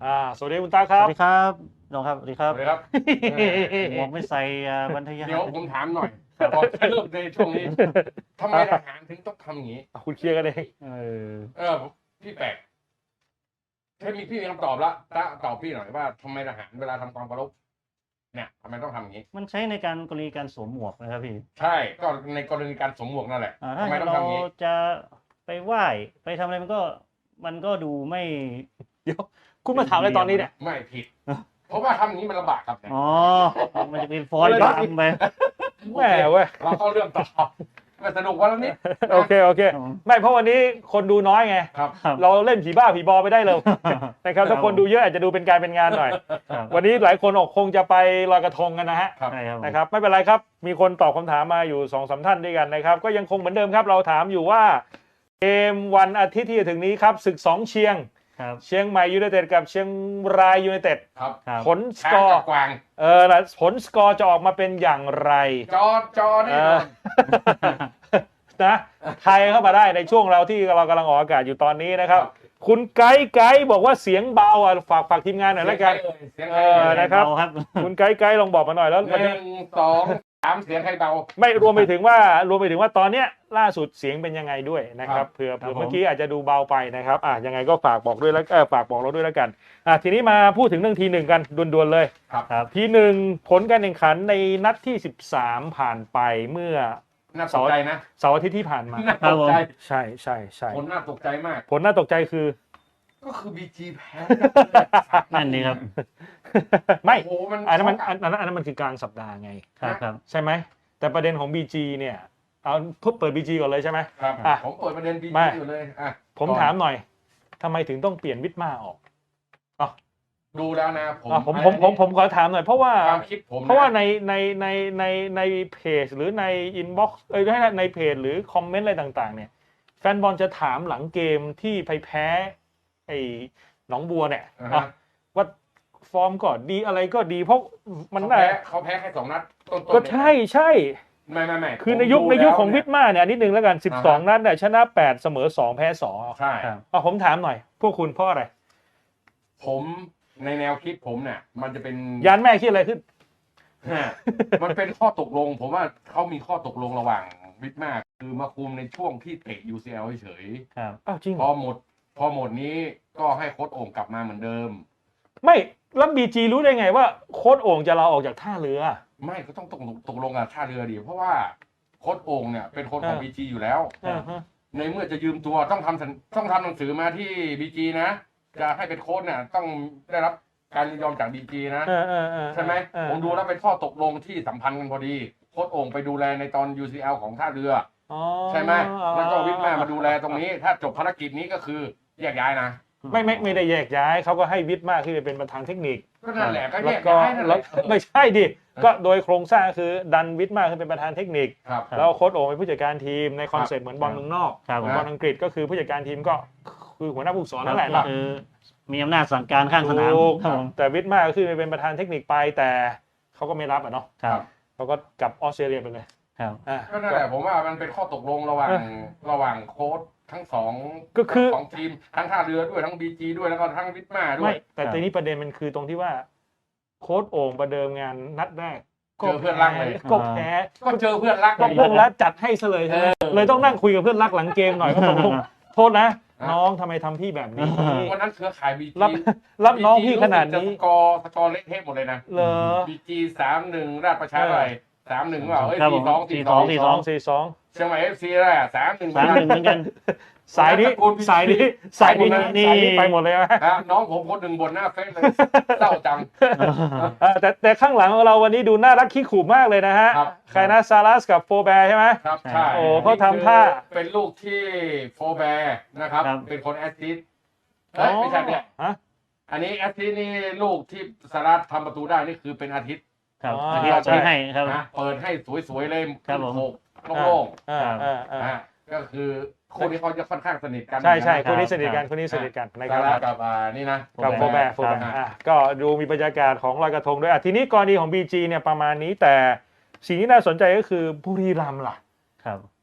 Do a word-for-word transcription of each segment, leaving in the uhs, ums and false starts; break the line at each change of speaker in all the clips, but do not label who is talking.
อ่าสวัสดีคุณตาครับ
สวัสดีครับน้องครับสวัสดีครับ
สวัสดีครับ
หมวกไม่ใส่บรรทยา
เดี๋ยวผมถามหน่อยก่อนจะเริ่มในช่วงนี้ทำไมทหารถึงต้องทำอย่างนี้
คุณเคลียร์กันเอง
เออ
เออพี่แปลกถ้ามีพี่มีคำตอบละตาตอบพี่หน่อยว่าทำไมทหารเวลาทำความเคารพเนี่ยทำไมต้องทำอย่างนี้
มันใช้ในการกรณีการสวมหมวกนะครับพี่
ใช่ก็ในกรณีการสวมหมวกนั่นแหละ
อ่า
ทำ
ถ้า
ไมต้อง
เรา
ทำอย่างนี้
จะไปไหว้ไปทำอะไรมันก็มันก็ดูไม่
เดี๋ยวคุณมาถามอะไรตอนนี้เนี่ย
ไม่ผิด เพราะว่าทำอย่างนี้มันลำบากครับเนี่ย
อ๋อมันจะเป็นฟอนต์ดำไป
แหม่เว้ย
เราเข้าเรื่องต่อมาสนุกวันละนิด
โอเคโอเค ไม่เพราะวันนี้คนดูน้อยไง
ครับ
ครับ
เราเล่นผีบ้าผีบอไปได้เลยนะครับถ้าคนดูเยอะอาจจะดูเป็นการเป็นงานหน่อย
ครับ
วันนี้หลายคนออกคงจะไปลอยกระทงกันนะฮะ
ครับ
ใช่ครับผม
นะครับไม่เป็นไรครับมีคนตอบคำถามมาอยู่สองสามท่านด้วยกันนะครับก็ยังคงเหมือนเดิมครับเราถามอยู่ว่าเกมวันอาทิตย์ที่จะถึงนี้ครับศึกสองเชียง
ครับ
เชียงใหม่ยูไนเต็ดกับเชียงรายยูไนเต็ด
ครับ
ครับ
ผลส
ช้าก
อ
กั
ร์
บกวาง
เออแล้วผลสกอร์จะออกมาเป็นอย่างไร
จอจอแน่นอน
นะไทยเข้ามาได้ในช่วงเราที่เรากำลังออกอากาศอยู่ตอนนี้นะครับ
ครับ
คุณไกด์ไกด์บอกว่าเสียงเบาอ่ะฝากฝากทีมงานหน่อยแล้วกัน
เสียง
เอ
ใคร
อ
เอ่ย
นะครับ
เาครับ
คุณไกด์ไกด์ลองบอกมาหน่อยแล้ว
หนึ่งสองสามเสียงใครเบา
ไม่รวมไปถึงว่ารวมไปถึงว่าตอนเนี้ยล่าสุดเสียงเป็นยังไงด้วยนะครับ
ครับ
เผื่อ
ครับ
เผื่อ
ผม
เมื่อกี้อาจจะดูเบาไปนะครับอ่ะยังไงก็ฝากบอกด้วยแล้วเออฝากบอกเราด้วยแล้วกันอ่ะทีนี้มาพูดถึงเรื่องทีหนึ่งกันด่วนๆเลย
ครับ
ครับ
ทีหนึ่งผลการแข่งขันในนัดที่สิบสามผ่านไปเมื่อ
น่าตกใจนะ
เสาร์อาทิตย์ที่ผ่านมา
น่าตกใจ
ใช่ใช่ใช่
ผลน่าตกใจมาก
ผลน่าตกใจคือ
ก็คือ บี จี แพ้
นั่นนี่ครับ
ไม่
โอ้โหมัน
อันนั้นมันอันนั้นอันนั้นมันคือกลางสัปดาห์ไง
ครับครับ
ใช่ไหมแต่ประเด็นของ บี จี เนี่ยเอาเพิ่เปิด บี จี ก่อนเลยใช่ไหม
ครับ
อ่ะ
ผมเปิดประเด็น บี
มา
จี อยู่เลยอ่ะ
ผม
ก่อน
ถามหน่อยทำไมถึงต้องเปลี่ยนวิทมาออก
ดูแล้วนะผม
อ่ะผมผมผมผมขอถามหน่อยเพราะว่า
ความคิดผมน
เพราะว่าในในในในในเพจหรือในอินบ็อกซ์เอ้ยไม่ใช่ในเพจหรือคอมเมนต์อะไรต่างๆ เนี่ยแฟนบอลจะถามหลังเกมที่ไปแพ้ไอ้หนองบัวเนี่ย
อ่า
อ่ะ
ฮะ
ว่าฟอร์มก็ดีอะไรก็ดี เพราะมัน
เขา
ได้
แพ้เขาแพ้แค่สองนัดต้นๆ
ก็ใช่ใช่
ไม่ไม่ไม่
คือใน
ผม
ยุค
ดู
ในยุค
แล้
ของวิทมาเนี่ยนิดนึงแล้วกันสิบสอง
อ่าฮะ
นัดเนี่ยชนะแปดเสมอสองแพ้สอง
ใช่
ครับ
อ่ะผมถามหน่อย พวกคุณเพราะอะไร
ผมในแนวคิดผมเนี่ย มันจะเป็น
ยานแม่คิดอะไรขึ้น
ฮะมันเป็นข้อตกลง ผมว่าเขามีข้อตกลงระหว่างวิทมาคือมาคุมในช่วงที่เตะ ยู ซี แอล เฉย
ครับ
อ้าวจริง
ๆพอหมด พอหมดนี้ก็ให้โค้ชโอ่งกลับมาเหมือนเดิม
ไม่แล้วบีจีรู้ได้ไงว่าโค้ชโอ่งจะลาออกจากท่าเรือ
ไม่ก็ต้องตกลงตกลงกับท่าเรือดีเพราะว่าโค้ชโอ่งเนี่ยเป็นคนของ
เออ
บีจีอยู่แล้ว
อ่าฮะ
ในเมื่อจะยืมตัวต้องทำสัญต้องทำหนังสือมาที่บีจีนะ จะให้เป็นโค้ชเนี่ยต้องได้รับการยินยอมจากบีจีนะ
เออเออเออ
ใช่ไหม
เออ
ผมดูแล้วเป็นข้อตกลงที่สัมพันธ์กันพอดีโค้ชโอ่งไปดูแลในตอน ยู ซี แอล ของท่าเรือ
อ๋อ
ใช่ไหมแล้วก็วิทมามาดูแลตรงนี้ ถ้าจบภารกิจนี้ก็คือแยกย้ายนะ
ไม่ไม่ไม่ได้แยกย้ายเขาก็ให้วิทย์มากที่จะเป็นประธานเทคนิค
ก็นั่นแหละก็แย
แล้ว
ก
ก็
ย้ายนั่นแห
แล้ว
ละ
ไม่ใช่ดิก็โดยโครงสร้างคือดันวิทย์มากขึ้นเป็นประธานเทคนิค
ครับ
แล้วโค้ชโอ่งเป็นผู้จัดการทีมในคอนเซ็ปต์เหมือนบอลเมืองนอก
ครับ
เหมือนบอลอังกฤษก็คือผู้จัดการทีมก็คือหัวหน้าผู้ฝึกสอนนั่นแหละ
ก็
เนาะ
คือมีอำนาจสั่งการข้างสนาม
ถูก
ครับผม
แต่วิทย์มากก็คือเป็นประธานเทคนิคไปแต่เขาก็ไม่รับอ่ะเนาะ
ครับ
เขาก็กลับออสเตรเลียไปเลย
ครับ
อ่ะ
ก็นั่นแหละผมว่ามันเป็นข้อตกลงระหว่างระหว่างโค้ชทั้งสอง
ก็คือ
ทั้งสองทีมทั้งท่าเรือด้วยทั้งบีจีด้วยแล้วก็ทั้งวิทมาด้ว
ไม่
ย
แต่ทีนี้ประเด็นมันคือตรงที่ว่าโค้ชโอ่งประเดิมงานนัดแรก
เจอเพื่อนรักเลย
ก็แพ้
ก็เจอเพื่อนรัก
ก็เพื่อนรักจัดให้ซะเลยใช่ไหม
เออ
เลยต้องนั่งคุยกับเพื่อนรักหลังเกมหน่อยว่าตกลงโทษนะ
อ่ะ
น้องทำไมทำพี่แบบนี้
วันนั้นเครือข่ายบี
รับ
จี
รับน้องพี่ขนาดนี้
สกอร์สกอร์เละเทะหมดเลยนะ
เหรอ
บีจีสามหนึ่งราชประชาอะไรสามหนึ่งเปล่าเอ้ย
ครับ
สี่สอง
ผม
สี่สอง
สี่
สองสี่สอง
เชียงใหม่เอฟซีอะไรอ่ะสามหนึ่ง
สามหนึ่งเหมือนกัน
สายนี้
ตระกูลพี่
สายนี้สายนี้
ไปหมดเลย
สายนี้ไปหมดเลยไหม
นะน้องผมคนหนึ่งบนหน้าเฟซเลยเศร้าจัง
เออแต่แต่ข้างหลังของเราวันนี้ดูน่ารักขี้ขู่มากเลยนะฮะ
ครับ
ใครนะซารัสกับโฟแบร์ใช่ไหม
ครับ
ใช่
ใช่
โอ้เขาทำท่า
เป็นลูกที่โฟแบร์นะครับ
ครับ
เป็นคนแอสซิสต์เฮ้ยไม่ใช่เนี่ย
ฮะ
อันนี้แอสซิสต์นี่ลูกที่สารัตทำประตูได้นี่คือเป็นอาทิตย์
ครับ
อ๋อ
อันนี้เรา
ใช่
ใช้ให้ครับ
นะเปิดให้สวยๆเลย
ครับผม
โขกโล่ง
อ่าอ่า
ๆ
อ่า
อ่าก็คือคู่นี้เขาจะค่อนข้างสนิทกัน
ใช่ใช่
ะ
คนนี้สนิทกันคนนี้สนิทกันนะค
สา
รับ
รัตกับอ่านี่นะ
กับโฟแบร์โฟแบร์
ครับ
อ่ะก็ดูมีบรรยากาศของลอยกระทงด้วยอ่ะทีนี้กรณีของ บี จี เนี่ยประมาณนี้แต่สิ่งที่น่าสนใจก็คือบุรีรัมย์ล่ะ
ครับ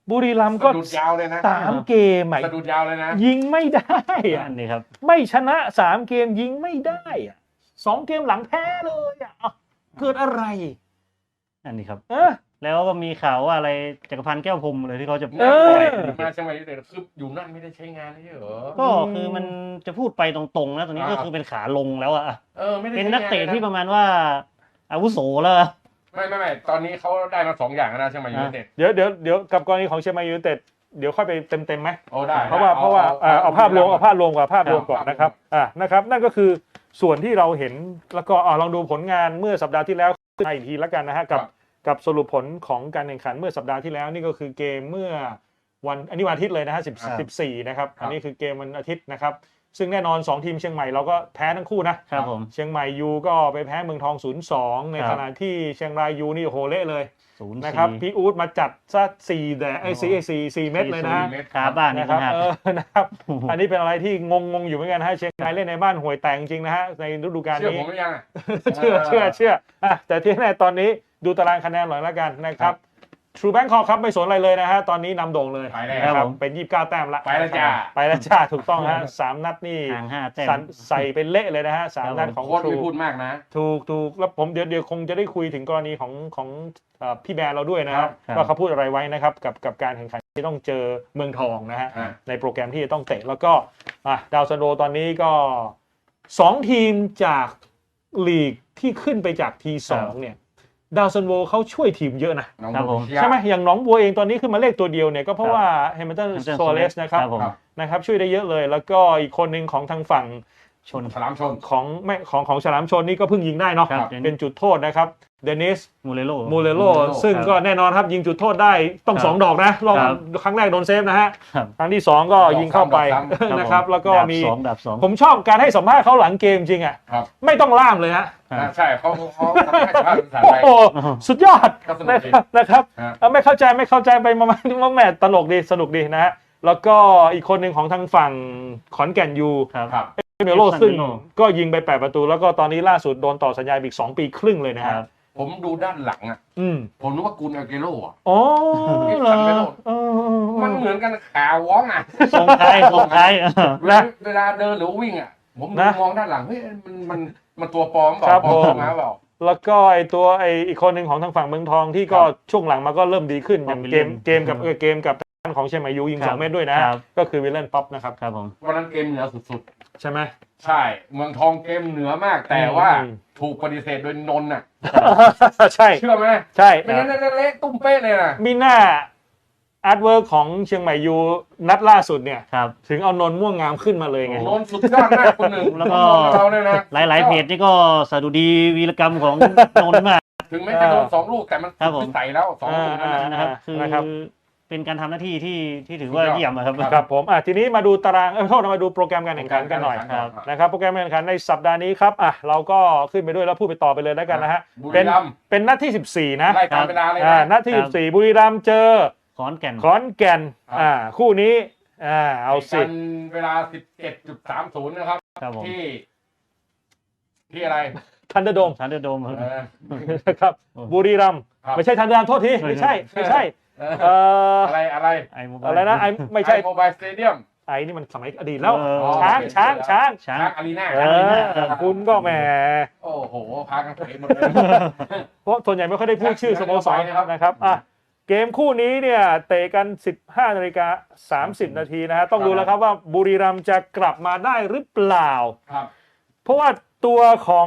บุรีรัมย์ก็
สะดุดยาวเลยนะ
สามเกมอ่ะ
สะดุดยาวเลยนะ
ยิงไม่ได้อ่ะ
อันนี้ครับ
ไม่ชนะสามเกมยิงไม่ได้อ่ะสองเกมหลังแพ้เลยอ่ะอ้าวเกิดอะไร
อันนี้ครับ
เออ
แล้วก็มีข่าวว่าอะไรจักรพันธ์แก้วพรหมเลยที่เขาจะ
เออ
ปล่อย
มาเชียงใหม่ยูไนเต็ดคืออยู่นั่นไม่ได้ใช้งานไม่ใช่เหรอ
ก็คือมันจะพูดไปตรงๆนะตอนนี้ก็คือเป็นขาลงแล้วอะ
เออไม่ได้
เป็น
ใช้
นัก
งา
เตะที่
ล
ป
ย
ระมาณว่าอาวุโสแล้วอะ
ไม่ไม่ไม่ตอนนี้เขาได้มาสองอย่างแล้วนะเชียงใหม่ยูไนเต็ด
เดี๋ยวเดี๋ยวเดี๋ยวกับกรณีของเชียงใหม่ยูไนเต็ดเดี๋ยวค่อยไปเต็มเต็มๆไหม
โอ้ได้
เพราะว่าเพราะว่าเอ่อเอาภาพรวมเอาภาพรวมก่อนภาพรวมก่อนนะครับอ่านะครับนั่นก็คือส่วนที่เราเห็นแล้วก็อ่าลองดูผลงานเมื่อสัปดาห์ที่แล้วอีกทีแล้วกันนะฮะกับกับสรุปผลของการแข่งขันเมื่อสัปดาห์ที่แล้วนี่ก็คือเกมเมื่อวันอันนี้วันอาทิตย์เลยนะฮะสิบสิบสี่นะครับอันนี้คือเกมวันอาทิตย์นะครับซึ่งแน่นอนสองทีมเชียงใหม่เราก็แพ้ทั้งคู่นะครับ
ผม
เชียงใหม่ยูก็ไปแพ้เมืองทอง ศูนย์สอง ใน
ครับ
ขณะที่เชียงรายยูนี่โอ้โหเละเลย
ศูนย์
นะครับ
สี่
พี่อู๊ดมาจัดซะสี่แต่ไอ้สี่สี่สี่เม็ดเลยนะ
เม็ด
ขาบ้านนี่
นะครับ
ครับ
เออนะครับ อันนี้เป็นอะไรที่งงงๆอยู่เหมือนกันฮะเชียงรายเล่นในบ้านห่วยแตกจริงนะฮะในฤดูกาล
เชื่อ
นี้
ผมหรือยังอะ
เชื่อเชื่อเชื่ออ่ะแต่ที่แน่ตอนนี้ดูตารางคะแนนหน่อยแล้วกันนะครับ True Bangkok ครับไม่สนอะไรเลยนะฮะตอนนี้นำโด่งเลย
ไปแล้ว
นะค
ครั
รับบ เป็นยี่สิบเก้าแต้มละ
ไปแล้วจ้า
ไปแล้วจ้าถูกต้องฮะสามนัดนี่
ห่างห้าแต้ม
สันใส่เป็นเละเลยนะฮะสามนัดของ
โค้ชไม่
True
พูดมากนะ
ถูกถูกแล้วผมเดี๋ยวเดี๋ยวคงจะได้คุยถึงกรณีของของเอ่อพี่แบร์เราด้วยนะค
ครั
รับบ
ครับ
ว่าเขาพูดอะไรไว้นะครับกับกับการแข่งขันที่ต้องเจอเมืองทองนะฮะ
อ่า
ในโปรแกรมที่จะต้องเตะแล้วก็อ่ะดาวซันโดตอนนี้ก็สองทีมจากลีกที่ขึ้นไปจากทีสองเนี่ยดาวซันโวเขาช่วยทีมเยอะนะ
น้อง
ครับผม
เชีย
ใช่ไหมอย่างหนองบัวเองตอนนี้ขึ้นมาเลขตัวเดียวเนี่ยก็เพราะว่าเฮมิลตัน
Hamilton
โซเลส
Soares
นะครับ
ครับผม
นะครับช่วยได้เยอะเลย แล้วก็อีกคนหนึ่งของทางฝั่ง
ชน
ฉลามชน
ของไม่ของของฉลามชนนี่ก็เพิ่งยิงได้เนาะ
ครับ
เป็นจุดโทษนะครับเดนิส
มูเลโล
มูเลโล
Mulero
ซึ่งก็แน่นอนครับยิงจุดโทษได้ต้อง
ครับ
สองดอกนะรอบ
ครับ
ครั้งแรกโดนเซฟนะฮะ
ครับ
ครั้งที่สองก็ยิงเข้าไป
ดอกซ้ำ
นะครับแล้วก็
ดาบ
มี
สองดาบสอง
ผมชอบการให้สัมภาษณ์เขาหลังเกมจริงอ่ะ
ครับ
ไม่ต้องล่ามเลยฮะ
ครับ
ใช่เขาเขาทำให้ภาพภาษา
โอ้
ไทย
โหสุดยอด
ก็สนุ
นะ
ก
ค
ดี
รับนะครับ
ฮะ
เอาไม่เข้าใจไม่เข้าใจไปมามามาแหมตลกดีสนุกดีนะฮะแล้วก็อีกคนหนึ่งของทางฝั่งขอนแก่นยู
ครับ
ครับ
เมโล
Epson
ซึ่ง
Melo
ก็ยิงไปแปดประตู แล้วก็ตอนนี้ล่าสุดโดนต่อสัญญาอีกสองปีครึ่งเลยนะ
ค
ฮะ
รับ
ผมดูด้านหลังอ่ะ
อืม
ผมนึกว่ากูนอาเกโร่อะ
อ๋อ
เอฟ
เหร
ซั
อน
เมโล
เออ
มันเหมือนกันขาวองอ่ะ
ส่งท้ายส่งท้ายเออ
เวลาเวลาเดินหรือวิ่งอ่ะ ผมดูมองด้านหลังเฮ้ยมันมันมันตัวปลอมเปล่าปลอมมาเปล่า
แล้วก็ไอตัวไออีกคนหนึ่งของทางฝั่งเมืองทองที่ก็
ครับ
ช่วงหลังมาก็เริ่มดีขึ้นอย่างเกม
William
เกมกับเออเกมกับทางของเชียงใหม่ยูยิง
ครับ
สองเมตรด้วยนะ
ครับ
ก็คือวิลเลนป๊อปนะครับ
ครับผม
วันนั้นเกมเหนือสุด
ใช่ไหม
ๆ ใช่ เมืองทองเกมเหนือมาก แต่ว่า
อืม
ถูกปฏิเสธโดยนนท์น่ะ
ใช่
เชื่อไหม
ใช่
ไม่งั้นน่าเละตุ้มเป๊ะเลยนะ
มีหน้าอาร์ตเวิร์กของเชียงใหม่ยูนัดล่าสุดเนี่ย
ครับ
ถึงเอานนท์ม่วงงามขึ้นมาเลยไง
นนท์สุดยอดมากคนหนึ่ง
แล้วก็
เราเนี่ยนะ
หลายๆเพจนี่ก็สดุดีวีรกรรมของนนท์มาก
ถึงแม้จะโดนสองลูกแต่มัน
ครับผม
ใส่แล้วสองลูกนั่น
อ่า
นะ
นะครับคือ
นะครับ
เป็นการทำหน้าที่ที่ที่ถือว่าเยี่ยมอะครับ
ครับผมอ่ะทีนี้มาดูตารางเออโทษนะมาดูโปรแกรมการแข่งขันกันหน่อย
ครับ
นะครับโปรแกรมการแข่งขันในสัปดาห์นี้ครับอ่ะเราก็ขึ้นไปด้วยแล้วพูดไปต่อไปเลยแล้วกันนะฮะ
บุ
เป็
รี
น
รัมย์
เป็นนัดที่สิบสี่นะ
ไล่ตามเวลาเลย
อ่า
นะ
นัดที่
ครั
สิ
บ
บสี่บุรีรัมย์เจอ
ขอนแก่น
ขอนแก่น
ครับ
อ่าคู่นี้อ่าเอาสิ
กันเวลา สิบเจ็ดจุดสามศูนย์ นะครับ
ครับผม
ที่ ที่อะไร
ทันเดอร์โดม
ทันเดอร์โดม
เออ
นะครับ
โอ้
บุรีรัมย์
ครับ
ไม่ใช่ทันเดอร์โดมโทษทีไม่ใช่ไม่ใช่เอ่อ
อะไรอะไร
ไอโมบาย
อะไรนะไอไม่ใช่
โมบายสเตเดียม
ไอนี่มันสมัยอดีตแล้ว
เออ
ช้างช้างช้าง
ช้า
ช้าง งอารีนา
เออคุณก็แหม
โอ้โห พากันเตะหมดเลย
เพราะส่วนใหญ่ไม่ค่อยได้พูดชื่อสโมสร
นะครับ
นะครับอ่ะเกมคู่นี้เนี่ยเตะกัน สิบห้านาฬิกาสามสิบนาทีนะฮะต้องดูแล้วครับว่าบุรีรัมย์จะกลับมาได้หรือเปล่า
ครับ
เพราะว่าตัวของ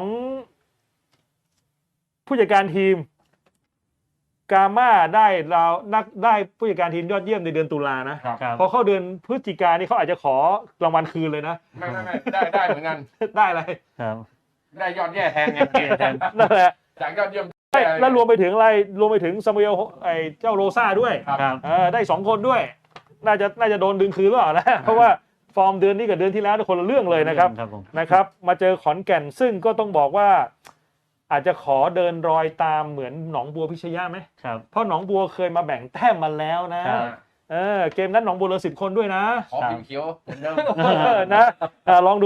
ผู้จัดการทีมกาม่าได้เรานักได้ผู้จัดการทีมยอดเยี่ยมในเดือนตุลานะครับ
ครับ
พอเข้าเดือนพฤศจิกายนนี่เขาอาจจะขอรางวัลคืนเลยนะ
ไม่ไม่ไม่ได้ได้เหมือนกัน
ได้อะไร
ครับ
ได้ยอดแย่แทนไง
แทน
นั่นแหละ
จากยอดเยี่ยม
ใช่แล้วรวมไปถึงอะไรรวมไปถึงซามูเอลไอ้เจ้าโรซ่าด้วย
ครับ
ครับ
เออได้สองคนด้วย น่าจะน่าจะโดนดึงคืนหรือเปล่านะเพราะว่าฟอร์มเดือนนี้กับเดือนที่แล้วคนละเรื่องเลยนะครับ
ครับผม
นะครับ มาเจอขอนแก่นซึ่งก็ต้องบอกว่า อาจจะขอเดินรอยตามเหมือนหนองบัวพิชยะไหม
ครับ
เพราะหนองบัวเคยมาแบ่งแต้มมาแล้วนะครับ เออเกมนั้นหนองบัวเหลือสิบคนด้วยนะ
ขอพิมพ์เขียวเหมือนเดิม
เออนะอ่าลองดูแล้วกัน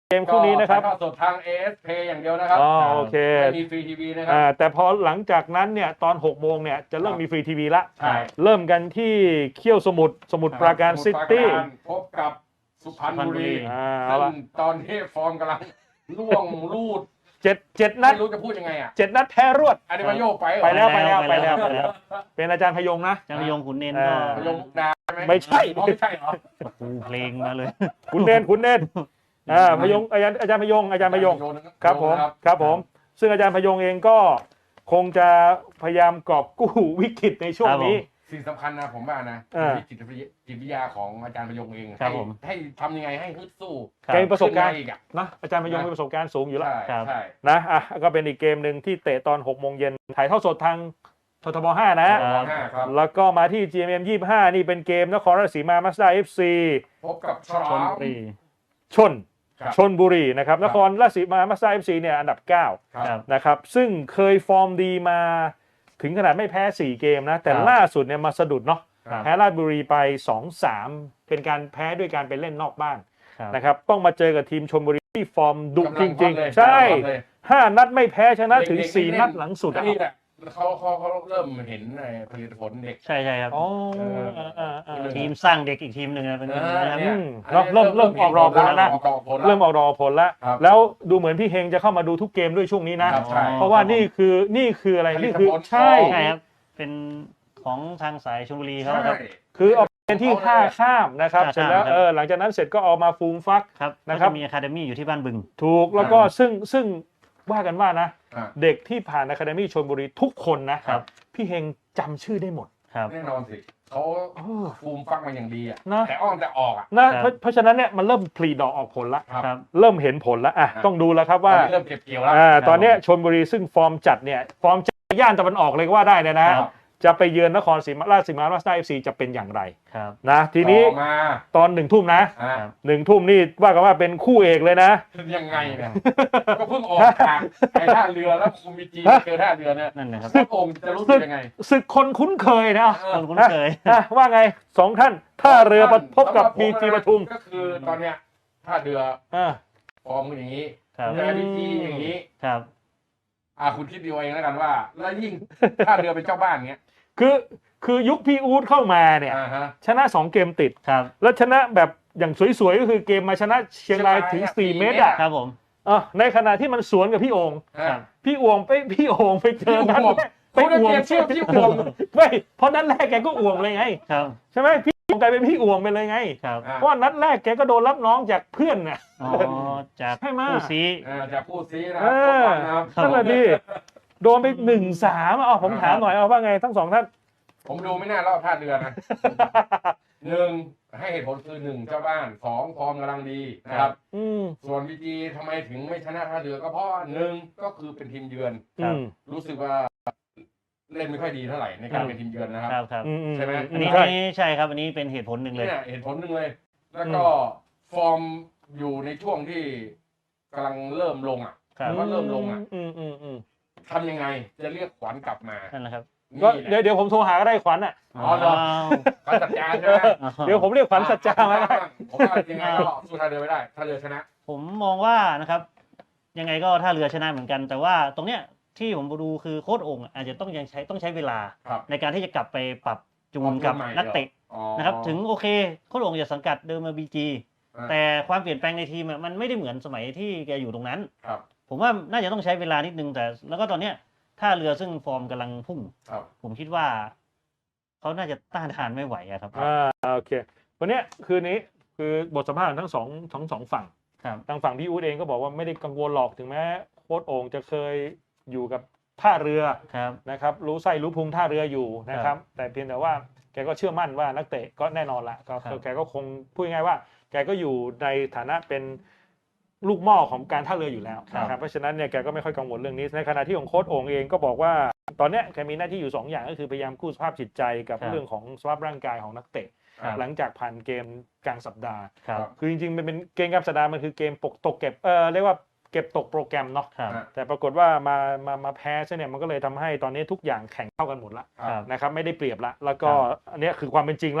เกมคู่นี้นะครับ
ก็ถ่ายทอดสดทาง เอ เอส Play อย่างเดียวนะครับ
อ๋อโอเค
ไม่มีฟรีทีวีนะครั
อ่า
บ
แต่พอหลังจากนั้นเนี่ยตอนหกโมงเนี่ยจะเริ่ม
ครับ
มีฟรีทีวีละ
ใช่
เริ่มกันที่เขี้ยวสมุทรสมุทรปราการ
สมุ
ซิ
ทรปรา
ตี้
การพบกับสุพรรณบุรี
อ่าเอา
ซึ่
ละ
งตอนนี้ฟอร์มกำลังล่วงลูด
เจ็ดเจ็ดนัด
ไม่รู้จะพูดยังไงอ่ะ
เจ็ดนัดแพ้รวด
อันนี้มาโยกไปเหรอ
ไปแล้วไปแล้ว
ไป
ไป
แล้
แล้ว
ว
ไปแล้ว เป็นอาจารย์พยงนะ
จำยงขุนเน้น
เอ
ก็
อ
มาโยกมุกดาใช่ไหม
ไม่ใช่
อ๋อไม่ใช่เหรอ
ครูเพลงมาเลย
คุณเนนคุณเนนอ่าพยงอาจารย์อาจารย์พยงอาจารย์พยงครับผมครับผม ซึ่งอาจารย์พยงเองก็คงจะพยายามกอบกู้วิกฤตในช่วงนี้
สิ่งสำคัญนะผมว่านะ
อ่า
ที่จิตวิทยาจิตวิทยาของอาจารย์พยงเอง
ครับ
ให้
ผม
ให้ทำยังไงให้ฮึดสู้
ครับ
แกมีประสบการณ์
ขึ้นมอีกอ่ะ
นะอาจารย์พยงมีประสบการณ์สูงอยู่แล้ว
ใช่
ครับ
ใช่
นะอ่ะก็เป็นอีกเกมหนึ่งที่เตะตอนหกโมงเย็นถ่ายทอดสดทางททบห้านะ
ครับ
ห้าครับ
แล้วก็มาที่ จี เอ็ม เอ็ม ยี่สิบห้านี่เป็นเกมนครราชสีมามาสด้า เอฟ ซี
พบกับฉลา
ชน
ม
บุรี
ชน
ครับ
ชนบุรีนะครับ
ครั
น
บ
ครราชสีมามาสด้า เอฟ ซีเนี่ยอันดับเก้า
ครับ
ครับ
นะครับ ซึ่งเคยฟอร์มดีมาถึงขนาดไม่แพ้สี่เกมนะ แต่
ครับ
ล่าสุดเนี่ยมาสะดุดเนาะ
ครับ
แพ้ราชบุรีไป สองสาม เป็นการแพ้ด้วยการไปเล่นนอกบ้าน
ครับ
นะครับ ต้องมาเจอกับทีมชลบุรีที่ฟอร์มดุ
กำ
จ
ลัง
ริง
ฮอตเลย
ๆ ใช่
กำลังฮอตเลย
ห้านัดไม่แพ้ชนะถึง
เด็กๆ
สี่
เล่น
นัดหลังสุดอะ
นี่แหละเขาเขาเขาเริ่มเห็นในผลิตผลเด็ก
ใช่ใช่ครับ
อ๋อ
เออ
อ่าอ่าอ่า
ทีมสร้างเด็กอีกทีมหนึ่งนะเป็น
เอ
อย่าง
อ
นี้นะครับ
เนี่ย
อืมเนอะเริ่มเริ่มออกรอผลแล้วนะ
ออกผลแล้ว
เริ่มออกดอกออกผลแล้ว
ครับ
แล้วดูเหมือนพี่เฮงจะเข้ามาดูทุกเกมด้วยช่วงนี้นะ
ครับใช่
เพราะว่านี่คือนี่คืออะไร
ผลิ
นี่
ต
คือ
ผล
ใช่
ของ
ใช่ครับ เป็นของทางสายชลบุรีเขา
ใช่
ครับ
คือเอาเป็นที่ท่าข้ามนะครับ
ท่า
เสร็จแล้ว
ข้ามครับ
เออหลังจากนั้นเสร็จก็เอามาฟูมฟัก
ครับ
นะ
นะ
ค
ค
รั
รับ บมีอะคาเดมี่อยู่ที่บ้านบึง
ถูกแล้วก็ซึ่งซึ่งว่ากันว่านะ
อ่ะ
เด็กที่ผ่านอะคาเดมี่ชลบุรีทุกคนนะครับ พี่เฮงจำชื่อได้หมด
ครับ
แน่นอนสิเขา
เออ
ฟูมฟักมาอย่างดีอ่ะ
นะ
แต่อ้อนแต่ออกอ่ะ
นะเพราะเพราะฉะนั้นเนี่ยมันเริ่มผลิดอกออกผลละ
ครับ
ครับ
เริ่มเห็นผลแล้วอ่ะ
ครับ
ต้องดูแล้วครับ
ตอ
ว่า
นนี้เริ่มเก็บเกี่ยวแล้ว
อ่า
ครับ
ตอนเนี้ยชลบุรีซึ่งฟอร์มจัดเนี่ยฟอร์มจัดย่านตะวันออกเลยก็ว่าได้เลยนะ
ครับ
จะไปเยือนนครศรีมาราชสีมาราชด้าเอฟซีจะเป็นอย่างไร
ครับ
นะทีนี้
ต่อมา
ตอนหนึ่งทุ่มนะ
อ่ะ
ครับ
หนึ่งทุ่มนี่ว่ากันว่าเป็นคู่เอกเลยนะ
ยังไงเนี่ยก็เพิ่งออกจากไอ้ท่าเรือแล้วคุมบีจีเจอท่าเรือเนี่ย
นั่นนะครับ
พระองค์จะรู้สึกยังไง
ศึกคนคุ้นเคยนะ
เออ
คนคุ้นเคย
อ่ะว่าไงสองท่านท่าเรือพบกับ
สำห
บี
ผม
จี
นะ
ปทุม
ก็คือตอนเนี้ยท่าเรือ
อ่า
ฟอร์มอย่างนี้
ครับ
แต่บีจีอย่างนี้
ครับ
อ่ะคุณคิดดูเองแล้วกันว่า แล้วยิ่งท่าเรือเป็นเจ้าบ้านเงี้ย
คือคือยุคพี่อู๊ดเข้ามาเนี่ย
อ่าฮะ
ชนะสองเกมติด
ครับ
แล้วชนะแบบอย่างสวยๆก็คือเกมมาชนะเชียงรายถึงสี่เมตรอ่ะ
ครับผม
อ่ะในขณะที่มันสวนกับพี่โอง
ครับ
พี่อวงไปพี่โองไปเจอนัด
พี่อวง
แรกไปอวง
เขาเรียกเชื่อพี่อวง
ไม่เพราะนัดแรกแกก็อวงเลยไง
ครับ
ใช่ไหมพี่อวงกลายเป็นพี่อวงไปเลยไง
ครับ
อ่ะ
เพราะว่านัดแรกแกก็โดนรับน้องจากเพื่อนน่ะ
อ๋อจาก
ใช่ไหม
ผู้ซี
อ่าจะพูดซีนะค
เอ
รับ
อ
ขอบคุณนะครับ
นั่นแหละดิโดนไปหนึ่งสามอ่ะผมถามหน่อยเอาว่าไงทั้งสองท่าน
ผมดูไม่น่ารอบท่าเรือนะหนึ่งให้เหตุผลคือหนึ่งเจ้าบ้านสองฟอร์มกำลังดีนะครับ
อืม
ส่วนบีจีทำไมถึงไม่ชนะท่าเรือก็เพราะว่าหนึ่งก็คือเป็นทีมเยือน
อืม
รู้สึกว่าเล่นไม่ค่อยดีเท่าไหร่ในการเป็นทีมเยือนนะครับ
ครับครับ
อือื
ใช่ไหม
อันนี้
ใช่
อันนี้ใช่ครับ อันนี้เป็นเหตุผลหนึ่งเลย
เนี่ยเหตุผลหนึ่งเลย แล้วก็ฟอร์มอยู่ในช่วงที่กำลังเริ่มลงอ่ะ
ครับ
ว่าเริ่มลงอ่ะ
อืมอืมอืม
ทำยังไงจะเรียกขวัญกลับมา
นั่นแหละครับ
ก็
นี่แห
เดี๋ยว
ละ
เดี๋ยวผมโทรหาก็ได้ขวัญอ่ะ
อ๋อเหรอ ขวัญจัดจานใช่ไหม
เดี๋ยวผมเรียกขวัญสัจจามาได้
ผมว่ายังไงก็สู้ท่าเรือไม่ได้ท่าเรือชนะ
ผมมองว่านะครับ ยังไงก็ท่าเรือชนะเหมือนกัน แต่ว่าตรงเนี้ยที่ผมดูคือโค้ชโองค์อาจจะต้องยังใช้ต้องใช้เวลา
ครับ
ในการที่จะกลับไปปรับจูนกับนักเตะ
อ๋อ
นะครับ ถึงโอเคโค้ชโองค์จะสังกัดเดิมมาบีจี
อ่า
แต่ความเปลี่ยนแปลงในทีมอะมันไม่ได้เหมือนสมัยที่แกอยู่ตรงนั้น
ครับ
ผมว่าน่าจะต้องใช้เวลานิดนึงแต่ แล้วก็ตอนเนี้ยท่าเรือซึ่งฟอร์มกำลังพุ่ง
ครับ
ผมคิดว่าเขาน่าจะต้านทานไม่ไหวอะครับ
อ่าโอเควันเนี้ยคืนนี้คือบทสัมภาษณ์ของทั้งสองทั้งสองฝั่ง
ครับ
ทางฝั่งพี่อู๊ดเองก็บอกว่าไม่ได้กังวลหรอกถึงแม้โค้ชโอ่งจะเคยอยู่กับท่าเรือ
ครับ
นะครับรู้ไส้รู้พุงท่าเรืออยู่นะค
ครั
รับ
บ
แต่เพียงแต่ว่าแกก็เชื่อมั่นว่านักเตะก็แน่นอนละก็
ครับ
แกก็คงพูดง่ายๆว่า แกก็อยู่ในฐานะเป็นลูกหม้อของการท่าเรืออยู่แล้วนะครับเพราะฉะนั้นเนี่ยแกก็ไม่ค่อยกังวลเรื่องนี้ในขณะที่ของโค้ชโอ่งเองก็บอกว่าตอนเนี้ยแกมีหน้าที่อยู่สองอย่างก็คือพยายามกู้สภาพจิตใจกับเรื่องของสภาพร่างกายของนักเตะ
ครับ
หลังจากผ่านเกมกลางสัปดาห์
ครับ
คือจริงๆมันเป็นเกมกลางสัปดาห์มันคือเกมปกตกเก็บเออเรียกว่าเก็บตกโปรแกรมเนาะ
ครับ
แต่ปรากฏว่ามามามาแพ้ซะเนี่ยมันก็เลยทำให้ตอนนี้ทุกอย่างแข่งเท่ากันหมดละ
ครับ
นะครับไม่ได้เปรียบละแล้วก็
ครับ
อันเนี้ยคือความเป็นจริงละ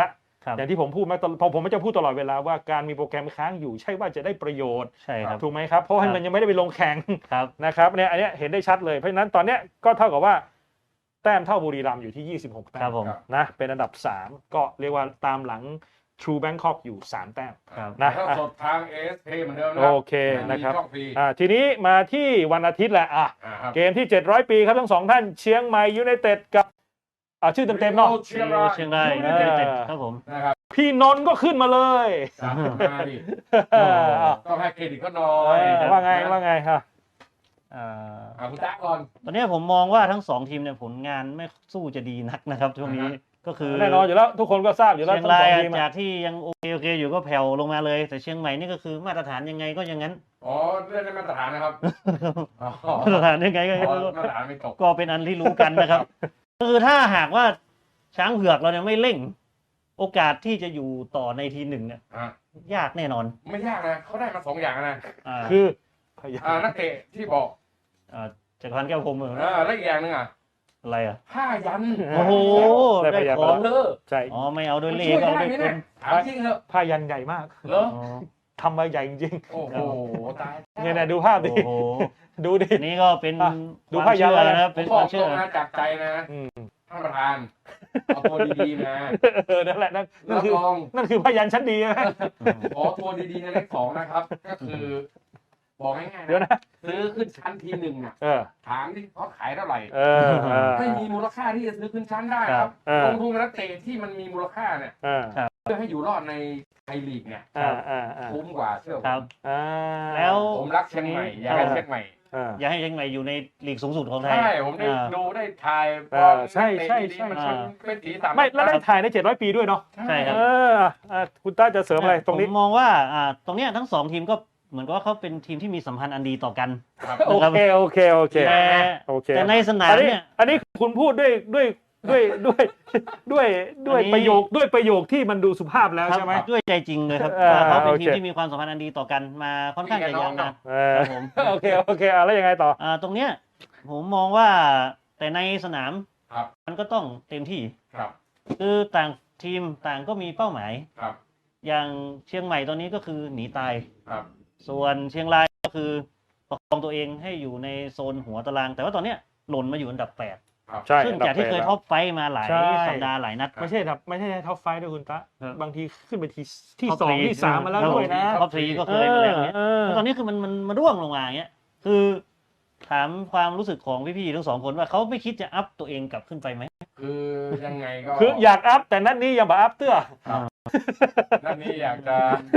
ครับ
อย่างที่ผมพูดมาตลอดผมผมจะพูดตลอดเวลาว่าการมีโปรแกรมค้างอยู่ใช่ว่าจะได้ประโยชน์
ใช่ครับ
ถูกไหมครับเพราะว่า
ครับ
มันยังไม่ได้ไปลงแข่ง
ครับ
นะครับเนี่ยอันเนี้ยเห็นได้ชัดเลยเพราะฉะนั้นตอนเนี้ยก็เท่ากับว่าแต้มเท่าบุรีรัมย์อยู่ที่ยี่สิบหกแต้
ครับ
ม
ผม
ครับ
นะเป็นอันดับสามก็เรียกว่าตามหลัง True Bangkok อยู่สามแต้ม
ครับ
นะ
ถ้าสดทาง เอ เอส เค เหมือนเดิมนะ
โอเคนะครับ
มีช่องฟรี
อ่าทีนี้มาที่วันอาทิตย์แหละอ่ะ
อ่าครับ
เกมที่เจ็ดร้อยปีครับทั้งสองท่านเชียงใหม่ยูไนเต็ดกับอ่าชื่อเต็มๆเนาะ
เชียงราย
เชียงราย
เออ
ยูไนเต็ดครับผม
นะครับ
พี่นนท์ก็ขึ้นมาเลย
สามสิบห้าดิ
เอออ่ะ
ต้องให้เครดิตก็น้อ
เอย อว่าไงว่าไงฮะ
อ่า
อ่าคุณจ๊ะก่อน
ตอนนี้ผมมองว่าทั้งสองทีมเนี่ยผลงานไม่สู้จะดีนักนะครับช่วงนี้
อ่าฮะ
ก็คือ
แน่นอนอยู่แล้วทุกคนก็ทราบอยู่แล้ว
เชียง
ทั้ง
รา
ส
ย
องทีม
จา
อะ
กที่ยังโอเคโอเคอยู่ก็แผ่วลงมาเลย แต่เชียงใหม่นี่ก็คือมาตรฐานยังไงก็อย่างนั้น
อ๋อเล่นในมาตรฐานนะครับอ๋อ
มาตรฐานยังไงก็อย่าง
อ๋อ
นั้น
มาตรฐานไม่ตก
ก็เป็นอันที่รู้กันนะครับ คือถ้าหากว่าช้างเผือกเราเนี่ยไม่เร่ง โอกาสที่จะอยู่ต่อในทีหนึ่งเนี่ย
อ่ะ
ยากแน่นอน
ไม่ยากนะเขาได้มาสองอย่างนะ
อ่า
คือ
อ่านักเตะที่บอก
อ่าจักรพันธ์แก้วพรหมเหรอ
อ่าแล้วอีกอย่างหนึงอ่ะ
อะไรอ่ะ
ผ้ายัน
โอ้โห
ได้
ได้
พยาน
ข
มา
อง
แล้ว
เออ
ใช่
อ๋อไม่เอาด้วย
มัน
เล
ช่
ข
วย
เอา
ได้
ด้วย
ไหม
ค
เนี่ย
น
ถามจริงเถอะ
ผ้ายันใหญ่มาก
เหรอ
อ๋อ
ทำมาใหญ่จริง
โอ้โหตาย
ๆเนี่ยนะดูภาพดิ
โอ้โห
ดูดิ
อันนี้ก็เป็น
อ่ะดู
ความ
พยัญ
เชื่
ชนะ
อนะครับ
ผ
เป็
ม
น
บ
ค
อ
วาก ม
ตร
เชื่อง
นะจากใจนะ
อืม
ท่านประธานเอาตัวดีๆนะ
เออนั่นแหละนั่นนั่น
รับ
คือ
รอง
นั่นคือผ้ายันชั้นดีนะ
ขอตัวดีๆในเลขสองนะครับ ก็คือ บอกง่ายๆ
เดี๋ยว
นะ
นะ
ซื้อขึ้นชั้นทีหนึ่งอ่ะ
เออ
ถามที่เขาขายเท่าไหร่
เออเออ
ไม่มีมูลค่าที่จะซื้อขึ้นชั้นได้ครับ
เออ
ลงทุนกับนักเตะที่มันมีมูลค่าเนี่ย
เออ
เพื่อให้อยู่รอดในไทยลีกเนี่ย
อ่าอ่าอ่า
คุ้มกว่าเชื่อผม
ครับ
อ่า
แล้ว
ผมรักเชียงใหม่อยากให้เชียงใหม่
อ่า
อย่าให้เชียงใหม่อยู่ในลีกสูงสุดของไทย
ใช่ผมได้
อ่า
ดูได้ถ่าย
เออใช่ใช่ใช่
มัน
ใช่
เป็นสีสัน
ไม่แล้วได้ถ่ายในเจ็ดร้อยปีด้วยเนาะ
ใช่ครับ
เอออ่ะคุณต้าจะเสริมอะไรตรงนี้
ผมมองว่าอ่าตรงเนี้ยทั้งสองทีมก็เหมือนกับว่าเขาเป็นทีมที่มีสัมพันธ์อันดีต่อกัน
ครับ
โอเคโอเคโอเค
แต่
โอเค
แต่ในสนาม
อันนี้
เนี่ย
อันนี้คุณพูดด้วยด้วยด้วยด้วยด้วยด้วย
อันนี้
ประโยคด้วยประโยคที่มันดูสุภาพแล้ว
ครับ
ใช่ไหม
ด้วยใจจริงเลยครับ
เออ
ว่าเขาเป็น
โอเค
ทีมที่มีความสัมพันธ์อันดีต่อกันมาค่อนข้างจะยาวนาน
เออ
ครับผม
โอเคโอเคอ่ะแล้วยังไงต่อ
อ่าตรงเนี้ยผมมองว่าแต่ในสนาม
ครับ
มันก็ต้องเต็มที่
ครับ
คือต่างทีมต่างก็มีเป้าหมาย
ครับ
อย่างเชียงใหม่ตอนนี้ก็คือหนีตาย
ครับ
ส่วนเชียงรายก็คือประคองตัวเองให้อยู่ในโซนหัวตาราง แต่ว่าตอนเนี้ยหล่นมาอยู่อันดับแปด
ครับ
ใช่
ซึ่งจากที่เคยท็อปไฟท์มาหลาย
ใช่
สัปดาห์หลายนัด
ไม่ใช่ครับไม่ใช่ท็อปไฟว์ด้วยคุณตะ
ครับ
บางทีขึ้นไปทีที่
ท็อป
สอง
ทรี
ที่สามมาแล้วด้วยนะ
ท็อปทรีก็เคยมาแล้วเนี้ย
เออ
แล้วตอนนี้คือมันมันมาร่วงลงมาอย่างเงี้ยคือถามความรู้สึกของพี่ๆทั้งสองคนว่าเขาไม่คิดจะอัพตัวเองกลับขึ้นไปไหม
คือยังไงก็
คืออยากอัพแต่นัดนี้ยังบ่อัพเตื้อ
นั่นนี่อยากจะ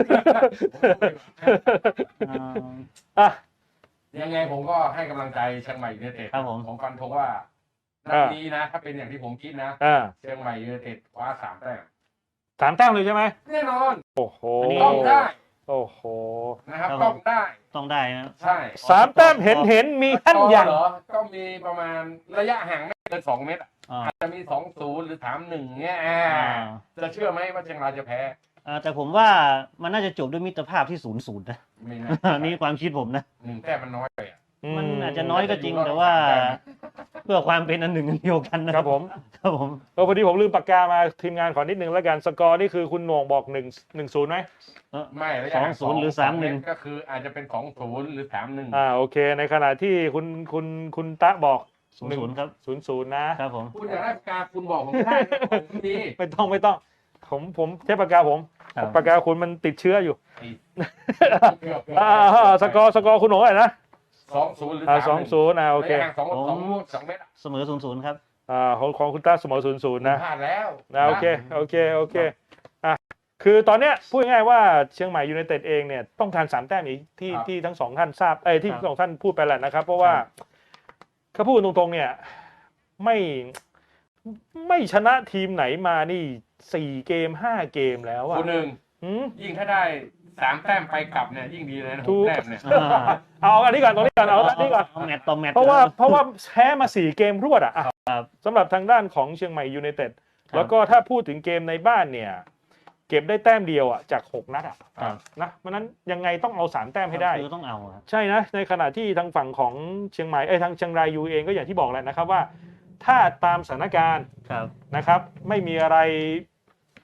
อ่า
อ่ะ
ยังไงผมก็ให้กำลังใจเชียงใหม่ยูไนเต็ด
ครับผม
ผมฟันธงว่านัดนี้นะ ถ้าเป็นอย่างที่ผมคิดนะ
อ่า
เชียงใหม่ยูไนเต็ดคว้าสามแต้ม
สามแต้มเลยใช่ไหม
แน่นอน
โอ้โห
อันนี้
ต้องได้
โอ้โห
นะครับ
ครับ
ต้องได้
ต้องได้นะ
ใช่
สามแต้มเห็นเห็นมีขั้นอย่าง
เหรอก็มีประมาณระยะห่างไม่เกินสองเมตรอะ
อ่า
อาจจะมีสองศูนย์หรือสามหนึ่งเงี้ยอ่า
อ่า
จะเชื่อไหมว่าเชียงรายจะแพ้
อ่าแต่ผมว่ามันน่าจะจบด้วยมิตรภาพที่ศูนย์ศูนย์นะ
ไม่น่า
นี่ความคิดผมนะ
หนึ่งแต้มมันน้อยไปอะ
มันอาจจะน้อยก็จริงแต่ว่า เพื่อความเป็นอันหนึ่งอันเดียวกันนะครับ
ผม
ครับผม
เออพอดีผมลืมปากกามาทีมงานขอนิดนึงแล้วกันสกอร์นี่คือคุณโหน่งบอกหนึ่งหนึ่งศูนย์ไหม
เออ
ไม่ระยะ
สอง
ห่าง
ศูนย์หรือสามหนึ่ง
ก็คืออาจจะเป็นสองศูนย์หรือสามหนึ่ง
อ่าโอเค ในขณะที่คุณคุณคุณตะบอก
ศูนย์ศูนย์ครับ
ศูนย์ศูนย์นะครับ
ผม
คุณอยากได้ปากกาคุณบอกผมได้นะผมมี
ไม่ต้องไม่ต้อง ผมผมใช้ปากกาผม
ครับ
ปากกาคุณมันติดเชื้ออยู่
เกือบ
อ่าอ่าสกอร์สกอร์คุณโหน่งอะไรนะ
สองศูนย์หรือ
อ่า
สาม
สองศูนย์อ่าโอเค
ระยะห่างสองสองสองเมตรอะ
เสมอศูนย์ศูนย์ครับ
อ่าของของคุณตาเสมอศูนย์ศูนย์นะ
พลาดแล้ว
นะโอเคโอเคโอเคอ่ะคือตอนเนี้ยพูดง่ายๆว่าเชียงใหม่ยูไนเต็ดเองเนี่ยต้องการสามแต้มอีกที่ที่ทั้งสองท่านทราบเอ้ยที่ทั้งสองท่านพูดไปแหละนะครับ เพราะว่าเขาพูดตรงๆเนี่ยไม่ไม่ชนะทีมไหนมานี่สี่เกมห้าเกมแล้วอ่ะ
คุณหนึ่ง
หืม
ยิ่งถ้าได้สามแต้มไปกลับเนี่ยยิ่งดีเลยนะห
ถู
ก
ก
แต้มเนี่ย
อ่า
เอาอันนี้ก่อนตรงนี้ก่อนเอาอันนี้ก่อน
เอาแมตต์ต่อแมตต์
เพราะว่าเพราะว่าแพ้มาสี่เกมรวดอ่ะอ่ะ
ครับ
สำหรับทางด้านของเชียงใหม่ยูไนเต็ด
ครับ
แล้วก็ถ้าพูดถึงเกมในบ้านเนี่ย เก็บได้แต้มเดียวอ่ะจากหกนัดอ่ะ
ครับ
นะเพราะฉะนั้นยังไงต้องเอาสามแต้มให้ได้
คือต้องเอาอะ
ใช่นะ ในขณะที่ทางฝั่งของเชียงใหม่เอ้ยทางเชียงรายยูเองก็อย่างที่บอกแหละนะครับว่า ถ้าตามสถานการณ์
ครับ
นะครับ ไม่มีอะไร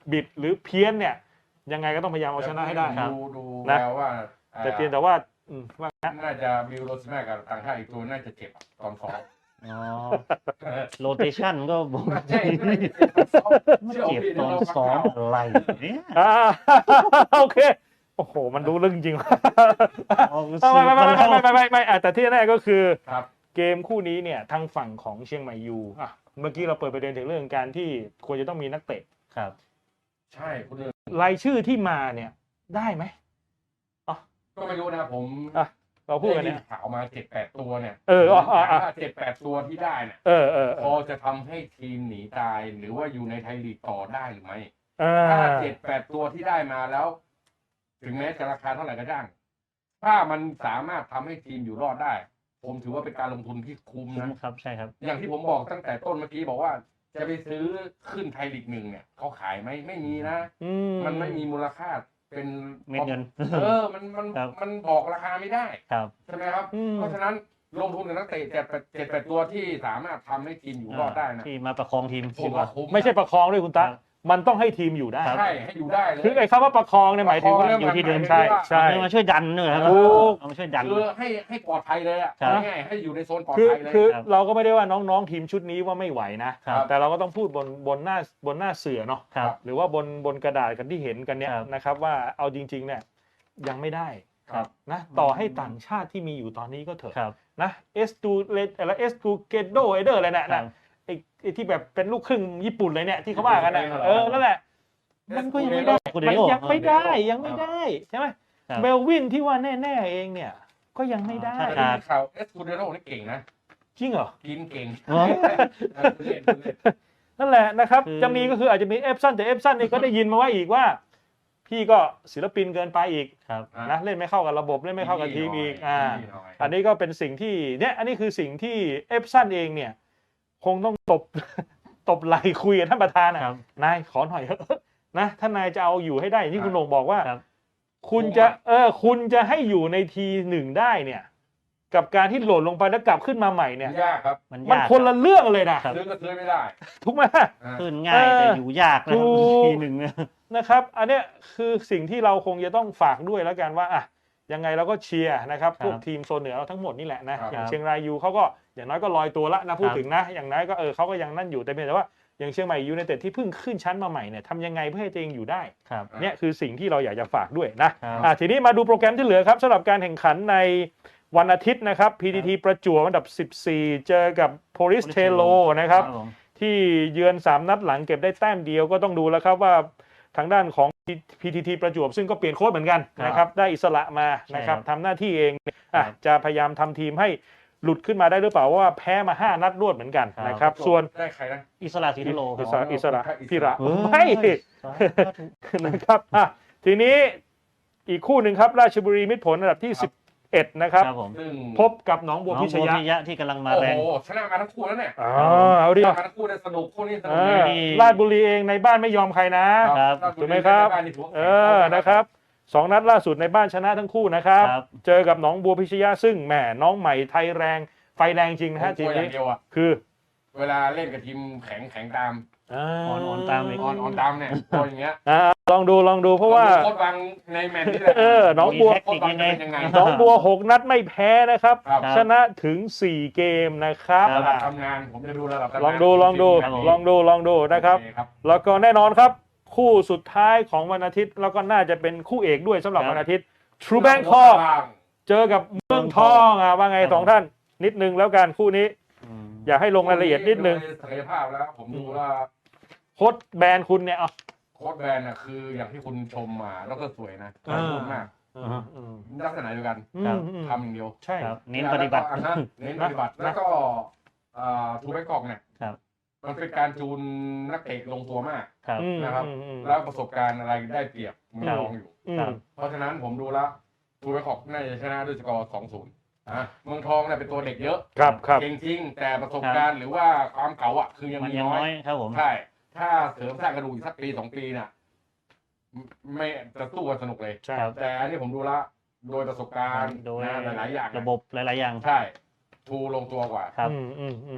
บิดหรือเพี้ยนเนี่ยยังไงก็ต้องพยายามเอาชนะให้ได้
ดูดู
นะ
แล้วว่า
แต่เพียงแต่ว่าอืมว่า
น่าจะบิลโรสแมกกับต่างชาติอีกตัวน่าจะเจ็บตอนซ้อม
อ๋อโรเตชันก็บอก
ใช่ใช่ตอนซ้อม
เจ็บตอนซ้อมอะไรเนี่ย
อ่าโอเคโอ้โหมันรู้เรื่องจริงว่ะ
เอา
ไม่ไม่ไม่ไม่ไม่ไม่ไม่ไม่อ่ะแต่ที่แน่ก็คือ
ครับ
เกมคู่นี้เนี่ยทางฝั่งของเชียงใหม่ยูอ่ะเมื่อกี้เราเปิดประเด็นถึงเรื่องการที่ควรจะต้องมีนักเตะ
ครับ
ใช่คุณเอิญ
รายชื่อที่มาเนี่ยได้ไหม
ก็ไม่รู้นะผม
อ่ะเราพูดกัน
ได้
เนี่ย
ยิข่าวมาเจ็ดแปดตัวเนี่ย
เอออ๋ออ๋ออ๋อ
เจ็ดแปดตัวที่ได้เนี่ย
เออเออเอ
พอ
อ
จะทำให้ทีมหนีตายหรือว่าอยู่ในไทยลีกต่อได้หรือไม่
อ่า
ถ้าเจ็ดแปดตัวที่ได้มาแล้ว ถึงแม้จะราคาเท่าไหร่ก็จ้าง ถ้ามันสามารถทำให้ทีมอยู่รอดได้ ผมถือว่าเป็นการลงทุนที่คุ้ม
คุ้ม
นะครับ
ใช่ครับ
อย่างที่ผมบอกตั้งแต่ต้นเมื่อกี้บอกว่า จะไปซื้อขึ้นไทยลีกหนึ่งเนี่ยเขาขายไหมไม่มีนะ
อืม
มันไม่มีมูลค่าเป็น
เม็ดเงิน
เออมันมัน
ครับ
มันบอกราคาไม่ได้
ครับ
ใช่ไหมครับ
อืม
เพราะฉะนั้นลงทุนกับนักเตะเจ็ดแปดเจ็ดแปดตัวที่สามารถทำให้ทีมอยู่รอดได้นะ
ที่มาประคองทีม
ผ
ดี
ม
กว่า
ว่าคุ้ม
ไม่ใช่ประคองด้วยคุณตา
ครับ
มันต้องให้ทีมอยู่ได้
ครับ
ใช่ให้อยู่ได้เลย
คือไอ้คำว่าประคองเนี่ยหมายถึงว่า
ประคอง
อยู่ที่เดิม
ใช่ใช่
เอามาช่วยดันด้วยครับ
ถูก
เอามาช่วยดัน
คือให้ให้ปลอดภัยเลยอ่ะ
ครับ
ง่ายๆให้อยู่ในโซนปลอด
คือ
ภัยเลย
คือ
ครับ
เราก็ไม่ได้ว่าน้องๆทีมชุดนี้ว่าไม่ไหวนะ
ครับ
แต่เราก็ต้องพูดบนบนหน้าบนหน้าเสือเนาะ
ครับ
หรือว่าบนบนกระดาษกันที่เห็นกันเนี่ย
ครับ
นะครับว่าเอาจริงๆเนี่ยยังไม่ได้
ครับ
นะต่อให้ต่างชาติที่มีอยู่ตอนนี้ก็เถอะ
ครับ
นะเอสตูเลอะไรเอสตูเกโดเอเดอร์อะไรน่ะ
ครั
นะ
บ
ไอ้ไอ้ที่แบบเป็นลูกครึ่งญี่ปุ่นเลยเนี่ยที่เขาว่ากันนะเออนั่นแหละ มันก็ยังไม่ได้
คุณ
มัน
เดโอ
ยังไม่ได้ยังไม่ได้ใช่ไหม
ครับ
เบลวินที่ว่าแน่ๆเองเนี่ยก็ยังไม่ได้
ครั
แต่
บ
ได้ยินข่าวเอสคูเดโร่นี่เก่งนะ
จริงเหรอ
กินเก่ง
อ๋อ
เออคุณเล่นคุณเล่น
นั่นแหละนะครับ
คือ
จะมีก็คืออาจจะมีเอฟซันแต่เอฟซันนี่ก็ได้ยินมาว่าอีกว่า พี่ก็ศิลปินเกินไปอีก
ครับ
นะเล่นไม่เข้ากับระบบเล่นไม่เข้ากับทีมอีกอ่า
นิดหน่อย
อันนี้ก็เป็นสิ่งที่เนี่ยอันนี้คือสิ่งที่เอฟซันเองเนี่ย คงต้องตบ ตบไหลคุยกับท่านประธาน
ครั
อ่ะ
บ
นายขอหน่อยเถอะนะถ้านายจะเอาอยู่ให้ได้อย่างที่คุณโหน่งบอกว่า
ครับ
คุณจะเออคุณจะให้อยู่ในทีหนึ่งได้เนี่ย กับการที่โหล่นลงไปแล้วกลับขึ้นมาใหม่เนี่ย
ยากครับ
มัน
มัน
ยาก
คนละเรื่องเลยนะครับ
ซื้อก็ซื้อไม่ได้
ทุกไหม
อ่ะ
ขึ้นง่ายแต่อยู่ยากนะครับ
ถูก
ทีหนึ่งเนี่ย
นะครับ อันเนี้ยคือสิ่งที่เราคงจะต้องฝากด้วยแล้วกันว่าอ่ะยังไงเราก็เชียร์นะครับ
ครับ
พวกทีมโซนเหนือเราทั้งหมดนี่แหละนะ
ครับ
อย่างเชียงรายยูเขาก็อย่างน้อยก็ลอยตัวละนะพูด
ครับ
ถึงนะ อย่างน้อยก็เออเขาก็ยังนั่นอยู่แต่เพียงแต่ว่าอย่างเชียงใหม่ยูไนเต็ดที่เพิ่งขึ้นชั้นมาใหม่เนี่ยทำยังไงเพื่อให้ตัวเองอยู่ได้
ครับ
เนี่ยคือสิ่งที่เราอยากจะฝากด้วยนะครับ อ่ะทีนี้มาดูโปรแกรมที่เหลือครับสำหรับการแข่งขันในวันอาทิตย์นะครับ พี ที ที ประจวบอันดับสิบสี่เจอกับโพลิสเทโลนะครับ
ผม
ที่เยือนสามนัดหลังเก็บได้แต้มเดียวก็ต้องดูแล้วครับว่าทางด้านของ พี ที ที ประจวบซึ่งก็เปลี่ยนโค้ชเหมือนกัน
ครับ
นะครับได้อิสระมา
ใช่
นะครับ
ครับ
ทำหน้าที่เองอ่ะ
ครับ
จะพยายามทำทีมให้หลุดขึ้นมาได้หรือเปล่าเพราะว่าแพ้มาห้านัดรวดเหมือนกัน
ครับ
นะครับส่วน
ได้ใครนะ
อิสระสีทโล
อิสระอิสระ
อิสระ
พิระ
เฮ้ย
ไม่
สาธุ
นะครับอ่ะทีนี้อีกคู่หนึ่งครับราชบุรีมิตรผลอันดับที่
ครับ
สิบเอ็ดนะครับ
ครับผม
ซึ่ง
พบกับหนองบัว
น้อง
พิช
บัวย
ะ
พิยะที่กำลังมา
โอ้
แรง
โหชนะมาทั้งคู่แล้วเนี่ย
อ๋อเอาดิ
ชนะมาทั้งคู่เนี่ยสนุกคู่นี้สนุก
เอ
เล
อย
นี่
ราชบุรีเองในบ้านไม่ยอมใครนะ
ครับ
ถูกไหมครับ
านนี่ถืว่า
เออ นะครับสองนัดล่าสุดในบ้านชนะทั้งคู่นะครับ
ครับ
เจอกับหนองบัวพิชยะซึ่งแหมน้องใหม่ไทยแรง ไฟแรงจริงนะ
ผม
ฮะ
ก
ที
ลั
ม
วอย่า
นี้
งเดียวอ่ะ
คือ
เวลาเล่นกับทีมแข็งแข็งตาม
อ่า
อ่อนๆตามอีก
ออนออนตามเนี่ยตัวอย่างเงี้ย
อ่าลองดูลองดูเพราะว่า
โคตรวางในแมนนี่แหละ
เออน้องบัว
มีแท็กติกยังไง
เป็นยังไง
หนองบัวหกนัดไม่แพ้นะครับ
ครับ
ชนะถึงสี่เกมนะครับ
ครับ
ระดับ
อ่ะ
ทำงานผมจะดูระดับทำงาน
ลองดูลองดู
ครับผม
ลองดูลองดูนะครับ
โอเครับ
แล้วก็แน่นอนครับ คู่สุดท้ายของวันอาทิตย์ แล้วก็น่าจะเป็นคู่เอกด้วยสำหรับ
ครับ
วันอาทิตย์ True Bangkok เจอกับเมืองทองอ่ะว่าไง
ครับ
สองท่าน นิดนึงแล้วกันคู่นี้
อืม
อยากให้ลงรายละเอียดนิดนึง
โศักยภาพแล้ว ผมดูว่า
โค้ชแบรนด์คุณเนี่ยเอา
โค้ชแบนน่ะคืออย่างที่คุณชมมาแล้วก็สวยนะ
อ่า
ขอบคุณมาก
อืมอืม
ลักษณะเดียวกัน
อืมอืม
ทำอย่างเดียว
ใช่
ครับเน้นปฏิบัติ
แล้วก็อ่ะฮะเน้นปฏิบัติ
นะ
แล้วก็ทูแบงกอกเนี่ย
ครับ
มันเป็นการจูนนักเตะลงตัวมาก
ครับ
อืม
นะครับ
อืมอืม
แล้วประสบการณ์อะไรได้เปรียบเมืองทองอยู่
อืม
ครับ
เพราะฉะนั้นผมดูแล้วทูแบงกอกน่าจะชนะด้วยสกอร์ สองศูนย์ อ่ะเมืองทองเนี่ยเป็นตัวเด็กเยอะ
ครับครับ
เก่งจริงแต่ประสบการณ์หรือว่าความเก่าอ่ะคือยัง
มัน
มี
ยัง
น้
น้
อ
อย ยครับผม
ใช่ ถ้าเสริมสร้างกระดูกอีกสักปีสองปีน่ะไม่จะสู้กันสนุกเลย
ใช่
ครับ
แต่อันนี้ผมดูและโดยประสบการณ์
โดย
นะหลายๆอย่าง
ระบบหลาย ๆ อย่าง
ใช่ ทูลงตัวกว่า
ครับ
อืมอืมอืม
นะ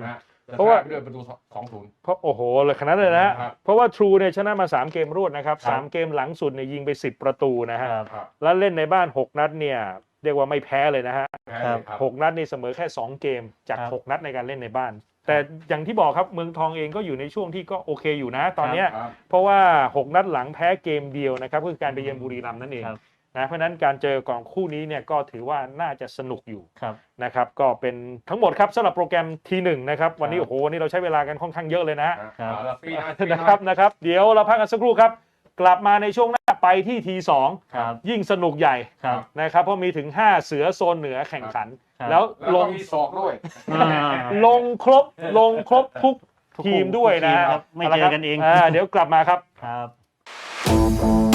เพราะว่า
ด้วยประตูสองศูนย์
เพราะโอ้โหเลยขนาดนั้นเลยนะฮะ
ครับ
เพราะว่า True เนี่ยชนะมาสามเกมรวดนะครับ
ครับ
สามเกมหลังสุดเนี่ยยิงไปสิบประตูนะฮะ
ครับ
ครับ
แล้วเล่นในบ้านหกนัดเนี่ยเรียกว่าไม่แพ้เลยนะฮะ
แพ้เลยครับ
หกนัดนี่เสมอแค่สองเกมจาก
ครับ
หกนัดในการเล่นในบ้าน แต่อย่างที่บอกครับเมืองทองเองก็อยู่ในช่วงที่ก็โอเคอยู่นะตอนเนี้ย
ครับ
เพราะว่าหกนัดหลังแพ้เกมเดียวนะครับก็คือการไปเยือนบุรีรัมย์นั่นเอง
ครับ
นะเพราะฉะนั้นการเจอของคู่นี้เนี่ยก็ถือว่าน่าจะสนุกอยู่
ครับ
นะครับก็เป็นทั้งหมดครับสำหรับโปรแกรมทีหนึ่งนะครับวันนี้
ครับ
โอ้โหวันนี้เราใช้เวลากันค่อนข้างเยอะเลยนะฮะ
ครับ
เอาละฟรีหน่อยฟรีห
นะ
น่อย
ครับนะครับเดี๋ยวเราพักกันสักครู่ครับกลับมาในช่วงหน้าไปที่ทีสอง
ครับ
ยิ่งสนุกใหญ่
ครับ
นะครับเพราะมีถึงห้าเสือโซนเหนือแข่งขัน
ครับ
แล้ว
แล้ว
ล
ก็
ง
มีศอกด้วย
อ่า
ลงครบลงครบทุก
ทุก
ทีมด้วยนะ
ทุกทีมครับไม่เจอกันเอง
าเดี๋ยวกลับมาครับ
ครับ